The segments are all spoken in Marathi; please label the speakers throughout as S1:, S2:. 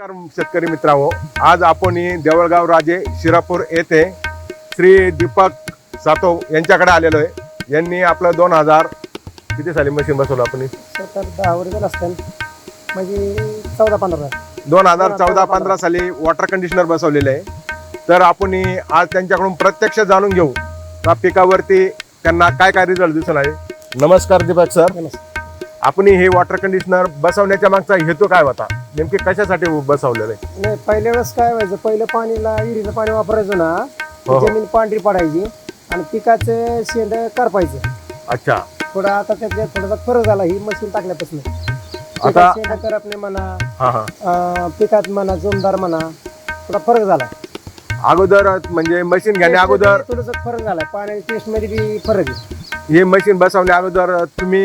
S1: नमस्कार शेतकरी मित्रांनो, आज आपण देवळगाव राजे शिरापूर येथे श्री दीपक सातव यांच्याकडे आलेलो आहे। यांनी आपलं 2000 किती साली मशीन बसवलं आपण?
S2: 10 वर्ष असतील, म्हणजे 14-15
S1: 2014-15 साली वॉटर कंडिशनर बसवलेले आहे। तर आपण आज त्यांच्याकडून प्रत्यक्ष जाणून घेऊ का पिकावरती त्यांना काय काय रिझल्ट दिसून आले। नमस्कार दीपक सर, आपण हे वॉटर कंडिशनर बसवण्याच्या मागचा हेतू काय होता? नेमके कशासाठी बसवलेलं आहे?
S2: नाही, पहिल्या वेळेस काय व्हायचं, पहिलं पाणीला विहिरीचं पाणी वापरायचो ना,
S1: हो.
S2: जमीन पांढरी पडायची आणि पिकाचं शेंड करपायचं।
S1: अच्छा,
S2: थोडा आता त्याच्यात थोडासा फरक झाला ही मशीन टाकल्यापासून।
S1: आता
S2: शेंड करपणे म्हणा,
S1: हा हा
S2: पिकात म्हणा, जोमदार म्हणा, थोडा फरक झाला।
S1: अगोदर म्हणजे मशीन घेण्या अगोदर
S2: थोडासा फरक झाला, पाण्याच्या टेस्ट मध्ये बी फरक आहे।
S1: हे मशीन बसवण्या अगोदर तुम्ही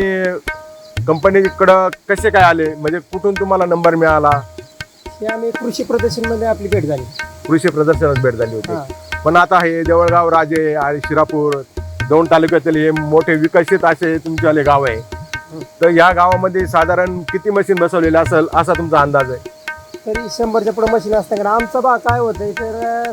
S1: कंपनीकडं कसे काय आले, म्हणजे कुठून तुम्हाला नंबर मिळाला?
S2: हे आम्ही कृषी प्रदर्शन मध्ये आपली भेट झाली।
S1: कृषी प्रदर्शनात भेट झाली होती।
S2: हा.
S1: पण आता हे देवळगाव राजे आणि शिरापूर दोन तालुक्यातील हे मोठे विकसित असे तुमच्याले गाव आहे। तर या गावामध्ये साधारण किती मशीन बसवलेले असेल असा तुमचा अंदाज आहे?
S2: तरी 100च्या पुढे मशीन असतात। आमचा भाग काय होतंय तर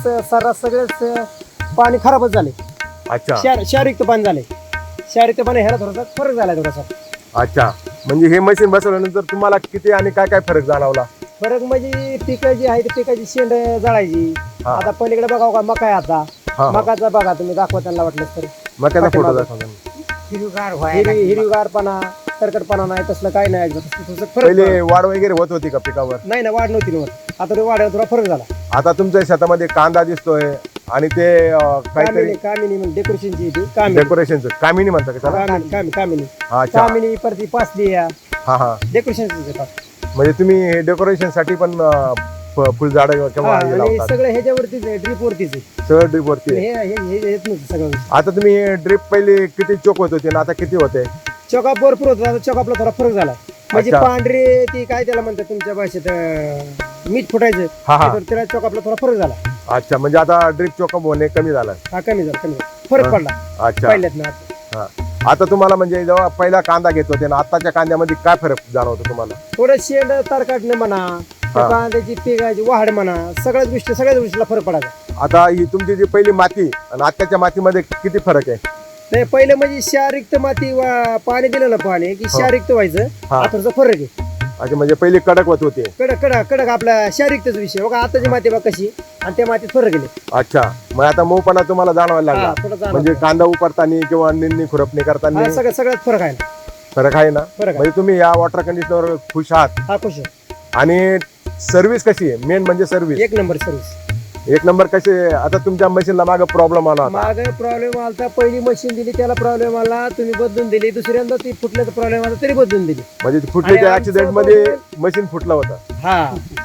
S2: सगळेच पाणी खराबच झाले।
S1: अच्छा
S2: क्षारयुक्त पाणी झाले। क्षारयुक्त पाणी ह्याला थोडासा फरक झालाय थोडासा।
S1: अच्छा, म्हणजे हे मशीन बसवल्यानंतर तुम्हाला किती आणि काय काय फरक जाणवला?
S2: फरक म्हणजे पिकं जी आहे पिकाची शेंड जाळायची।
S1: हा.
S2: आता पलीकडे बघा का मका आहे आता,
S1: हा.
S2: मकाचा बघा तुम्ही, दाखवा त्यांना वाटलं तर।
S1: मग त्याचा फोटो
S2: पाठीमागं.
S1: दाखवा.
S2: हिरवीगारपणा, तरकटपणा नाही, तसलं काही नाही। थोडंसं फरक
S1: पहिले वाढ वगैरे होत होती का पिकावर?
S2: नाही ना, वाढ नव्हती नव्हत। आता ते वाढ थोडा फरक झाला।
S1: आता तुमच्या शेतामध्ये कांदा दिसतोय आणि ते काहीतरी
S2: कामिनी म्हणजे डेकोरेशनची ती कामिनी,
S1: डेकोरेशनचं कामिनी म्हणतात का त्याला?
S2: कामिनी
S1: अच्छा,
S2: कामिनी परती पासली या
S1: हा हा,
S2: डेकोरेशनची।
S1: म्हणजे तुम्ही डेकोरेशन साठी पण फुलझाड किंवा हे
S2: आणि
S1: लावतात?
S2: सगळं ह्याच्यावरतीच आहे, ड्रीप वरतीच आहे।
S1: सगळं ड्रीप वरती आहे.
S2: हे येत नव्हतं सगळं।
S1: आता तुम्ही ड्रीप पहिले किती चोक होत होते आणि आता किती होते?
S2: चॉकअप भरपूर होतं, आता चॉकअपला थोडा फरक झाला। म्हणजे
S1: अच्छा.
S2: पांढरी ती काय त्याला म्हणतात तुमच्या भाषेत, मीठ फुटायचं,
S1: हा हा,
S2: तर त्याला चॉकअपला थोडा फरक झाला।
S1: अच्छा, म्हणजे आता ड्रीप चोकअप होणे कमी झालं?
S2: हा, कमी झाला, फरक
S1: हा.
S2: पडला
S1: अच्छा,
S2: पहिल्यात ना।
S1: हा. आता तुम्हाला म्हणजे जेव्हा पहिला कांदा घेत होते ना आताच्या कांद्यामध्ये काय फरक जाणवतो तुम्हाला?
S2: थोडं शेंड तारकाटणं म्हणा, त्या
S1: हा.
S2: कांद्याची पिकाची वाढ म्हणा, सगळ्याच गोष्टीला फरक पडायचा।
S1: आता ही तुमची जी पहिली माती आणि आताच्या मातीमध्ये किती फरक आहे?
S2: नाही, पहिले म्हणजे क्षारयुक्त माती पाणी दिलं ना, पाणी की क्षारयुक्त व्हायचं।
S1: हा.
S2: आता थोडा फरक आहे।
S1: अच्छा, म्हणजे पहिली कडक होत होते?
S2: कडक आपला क्षारयुक्तच विषय बघा। आताची माती बघा कशी, आणि त्या मातीत फरक गेले।
S1: अच्छा, मग आता मऊपणा तुम्हाला जाणवायला
S2: हा,
S1: लागला?
S2: थोडा जाणवतो.
S1: म्हणजे कांदा उपरताना किंवा निंदणी खुरपणी करताना
S2: हा, सगळ्यात फरक आहे ना,
S1: फरक आहे ना?
S2: फरक आहे।
S1: म्हणजे तुम्ही या वॉटर कंडिशनर खुश आहात?
S2: हा, खुश आहे।
S1: आणि सर्व्हिस कशी आहे? मेन म्हणजे सर्व्हिस
S2: एक नंबर सर्व्हिस।
S1: एक नंबर कशी आहे? आता तुमच्या मशीनला मागे प्रॉब्लेम आला होता?
S2: मागे प्रॉब्लेम आला, पहिली मशीन दिली त्याला प्रॉब्लेम आला, तुम्ही बदलून दिली। दुसऱ्यांदा ती फुटल्याचा प्रॉब्लेम आला तरी बदलून दिली।
S1: म्हणजे फुटल्याच्या
S2: आणि
S1: ऍक्सिडेंट
S2: आमचं
S1: मध्ये मशीन फुटलं होतं?
S2: हा,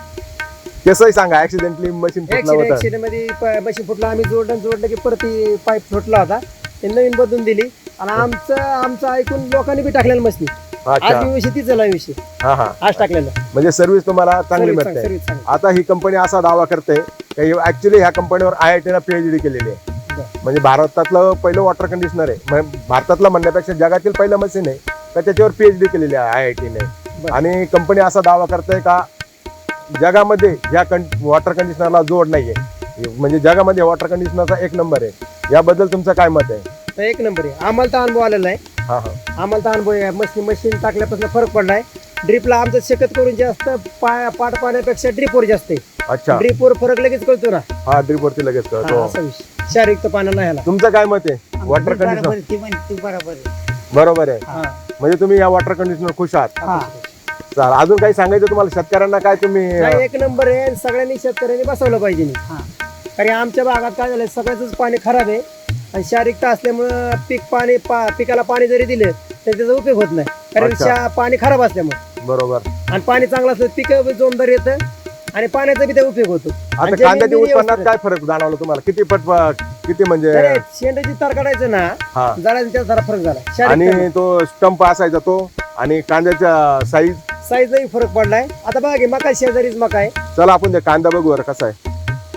S1: कसंही सांगा, ऍक्सिडेंटली मशीन फुटलं होतं?
S2: ऍक्सिडेंट मध्ये मशीन फुटला, आम्ही जोडलं की परत पाईप फुटला होता, ते नवीन बदलून दिली। आणि आमचं ऐकून लोकांनी बी टाकलेलं मशीन।
S1: अच्छा,
S2: आज विषय तीच झाला विषय,
S1: हा हा,
S2: आज टाकलेलं।
S1: म्हणजे सर्व्हिस तुम्हाला चांगली मिळते?
S2: सर्व्हिस चांगली।
S1: आता ही कंपनी असा दावा करते की ऍक्च्युली ह्या कंपनीवर IIT ने PhD केलेली आहे। म्हणजे भारतातलं पहिलं वॉटर कंडिशनर आहे, म्हणजे भारतातलं म्हणण्यापेक्षा जगातील पहिलं मशीन आहे तर त्याच्यावर PhD केलेली आहे IIT ने। आणि कंपनी असा दावा करते का जगामध्ये या वॉटर कंडिशनरला जोड नाहीये, म्हणजे जगामध्ये वॉटर कंडिशनरचा एक नंबर आहे। याबद्दल तुमचं काय मत आहे?
S2: तर एक नंबर आहे, आम्हाला तर अनुभव आलेला आहे।
S1: हा हा,
S2: आम्हाला तर अनुभव आहे, मशीन टाकल्यापासून फरक पडलाय। ड्रीपला आमचं शेकत करून जास्त पाट पाण्यापेक्षा ड्रीपवर जास्त आहे।
S1: अच्छा,
S2: ड्रीपवर फरक लगेच कळतो ना।
S1: हा, ड्रीप वरती लगेच
S2: हा,
S1: कळतो।
S2: असा विषय, क्षारयुक्त पाण्याला ह्याला।
S1: तुमचं काय मत आहे? वॉटर कंडिशनर बरोबर आहे,
S2: हा,
S1: म्हणजे तुम्ही या वॉटर कंडिशनर खुश आहात?
S2: हा.
S1: चाल, अजून काही सांगायचं तुम्हाला शेतकऱ्यांना? काय तुम्ही
S2: नाही, एक नंबर आहे, आणि सगळ्यांनी शेतकऱ्यांनी बसवलं पाहिजे नाही। कारण आमच्या भागात काय झालंय, सगळ्याच पाणी खराब आहे आणि क्षारयुक्त असल्यामुळं पिकाला पाणी जरी दिलं तर त्याचा उपयोग होत नाही, कारण
S1: अच्छा.
S2: पाणी खराब असल्यामुळे।
S1: बरोबर,
S2: आणि पाणी चांगलं असलं पीक जोमदार येतं आणि पाण्याचा बी त्या उपयोग होतो।
S1: आता
S2: आणि जमीन
S1: कांद्याच्या
S2: बी
S1: उत्पन्नात
S2: व्यवस्थित
S1: काय फरक जाणवला तुम्हाला? किती म्हणजे?
S2: आहे. शेंडाची तार काढायचं ना,
S1: हा,
S2: जरा त्याचा जरा फरक झाला।
S1: आणि
S2: क्षारयुक्त
S1: तो स्टंप असायचा तो, आणि कांद्याच्या
S2: साईजलाही फरक पडलाय। आता बघा की मका शेजारीच मका आहे।
S1: चला आपण ते कांदा बघू बरं कसा आहे।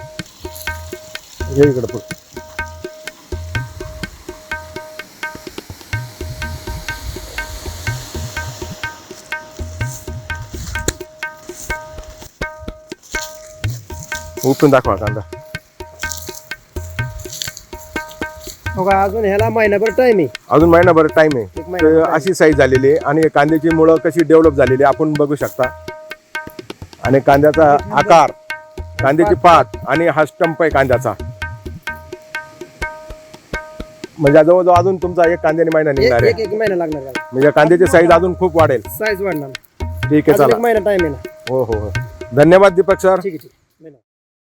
S1: हे इकडे बघ. उपटून दाखवा कांदा.
S2: बघा अजून ह्याला महिनाभर टाइम आहे.
S1: अजून महिनाभर टाइम आहे.
S2: एक महिना
S1: तर अशी साईज झालेली आहे आणि कांद्याची मुळं कशी डेव्हलप झालेली आहे आपण बघू शकता. आणि कांद्याचा आकार, कांद्याची पात आणि हा स्टंप आहे कांद्याचा. म्हणजे जवळजवळ अजून तुमचा एक कांद्याने महिना निघणार आहे.
S2: एक महिना लागणार त्याला.
S1: म्हणजे कांद्याची साईज अजून खूप वाढेल.
S2: साईज वाढणार.
S1: ठीक आहे,
S2: अजून
S1: चला.
S2: एक महिना टाइम आहे ना.
S1: हो हो हो, धन्यवाद दीपक सर.
S2: ठीक आहे.